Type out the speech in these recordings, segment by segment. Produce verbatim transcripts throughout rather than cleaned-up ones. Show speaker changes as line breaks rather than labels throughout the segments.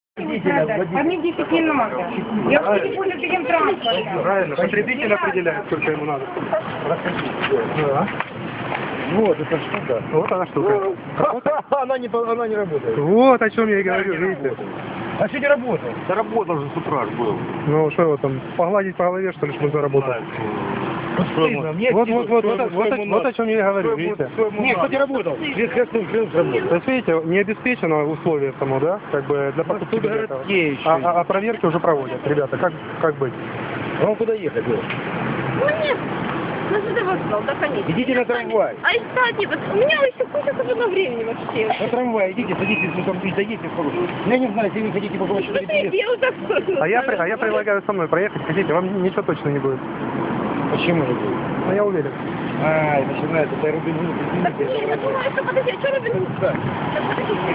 А мне десять не надо. Я вообще не пользуюсь таким транспортом.
Правильно, потребитель определяет, сколько ему надо. Да.
Вот эта штука.
Вот она штука.
Она не, она не работает.
Вот о чем я и говорю, видите.
А что не работает? Да работал же с утра ж был.
Ну что его там, погладить по голове, что ли, чтобы заработал?
Вот, стыдно, мне
Вот,
стыдно,
вот, вот,
что
вот,
ему-
вот,
что
о-
ему
вот
надо.
о чем я и говорю,
Что ему-
видите.
что ему
Не,
надо?
кстати,
работал. Весь красный крылья работал.
То есть, видите, не обеспечено условие само, да, как бы для покупки
тут
билета.
городские еще
А,
есть.
а, а проверки уже проводят, ребята, как, как быть?
А вам куда ехать? Лёш?
Ну нет, ну что ты вокзал, да, конечно.
Идите на трамвай.
А и кстати, вот у меня еще куча свободного времени вообще.
На трамвай идите, садитесь, ну там доедете сколько. Я не знаю, если вы хотите попробовать
Ну ты иди, я вот так
А я, при- а я предлагаю со мной проехать, хотите, вам ничего точно не будет.
Почему?
Но я уверен.
А, начинается, это Рубин Гуд,
Так
извините.
не, я думаю, что подожди, а что Робин Гуд?
Да.
Так подожди.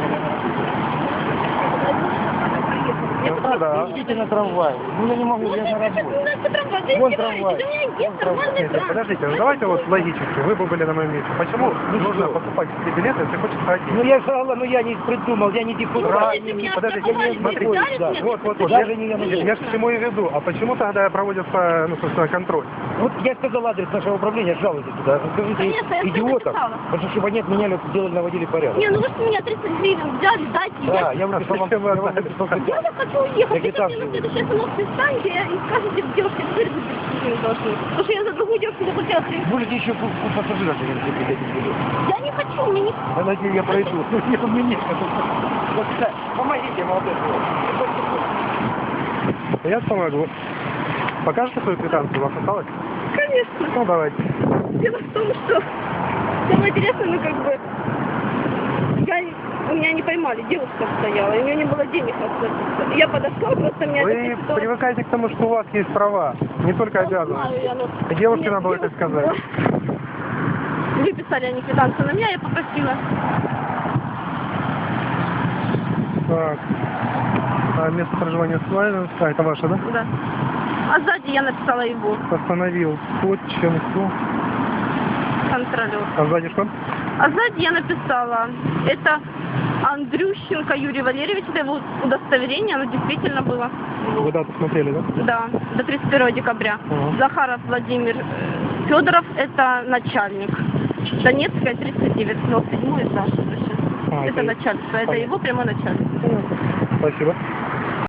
Ну, да, да.
Идите на трамвай. Ну я не могу,
Ну
я
ты
на
сейчас
работе.
у нас по трамваю,
Вон
ты
трамвай.
у меня есть
Вон трамвай.
нормальный
Нет,
транспорт.
подождите, ну давайте вот логически, вы бы были на моем месте. Почему
Ну,
нужно
что?
покупать себе билеты, если хочешь ходить?
Ну я сказала, ну я не придумал, я не депутат.
Ура,
если меня
подождите,
оставили,
смотрите,
взяли
да,
меня,
вот, вот, вот,
даже
я,
не я
я,
могу.
я же к чему и веду. А почему тогда проводится, ну, собственно, контроль?
Вот я сказал адрес нашего управления, жалуйтесь туда. Скажите
Конечно, я всё
идиотам,
написала.
потому что чтобы они отменяли, сделали, наводили порядок.
Не, ну вы что меня тридцать гривен взяли, дайте.
Да,
я...
я вам написал, вам,
Зачем вы
я вам
отдали?
написал
Я
статью.
вот хочу уехать.
Я
Идите мне на
квитанцию.
следующей остановке встаньте и скажете девушке, теперь вы не должны. Потому что я за другую девушку заплатила три.
Будете еще у у пассажиров эти билеты.
Я не хочу, мне не...
Я надеюсь, я пройду. Не у меня. Вот, да, помогите, молодой человек.
Я помогу. Покажете свою квитанцию, у вас осталось?
Конечно.
Ну, давайте.
Дело в том, что самое интересное, ну как бы, я, у меня не поймали, девушка стояла, и у нее не было денег расплатиться. Я подошла, просто меня...
Вы
эта ситуация-
привыкайте к тому, что у вас есть права, не только
Ну, знаю
обязанности.
я, но-
И девушке
Нет,
надо было это
девушка
сказать.
была- Выписали они квитанцию на меня, я попросила.
Так. А место проживания Славянска, а, это ваше, да?
Да. А сзади я написала его,
Остановил Поченку.
контролер.
А сзади что?
А сзади я написала, это Андрющенко Юрий Валерьевич, это его удостоверение, оно действительно было.
Вы дату смотрели, да?
Да, до тридцать первого декабря.
Ага.
Захаров Владимир э, Федоров, это начальник. Донецкая, тридцать девять, но седьмой этаж.
А,
это
это-
начальство, это
понятно.
его прямой начальник.
Спасибо.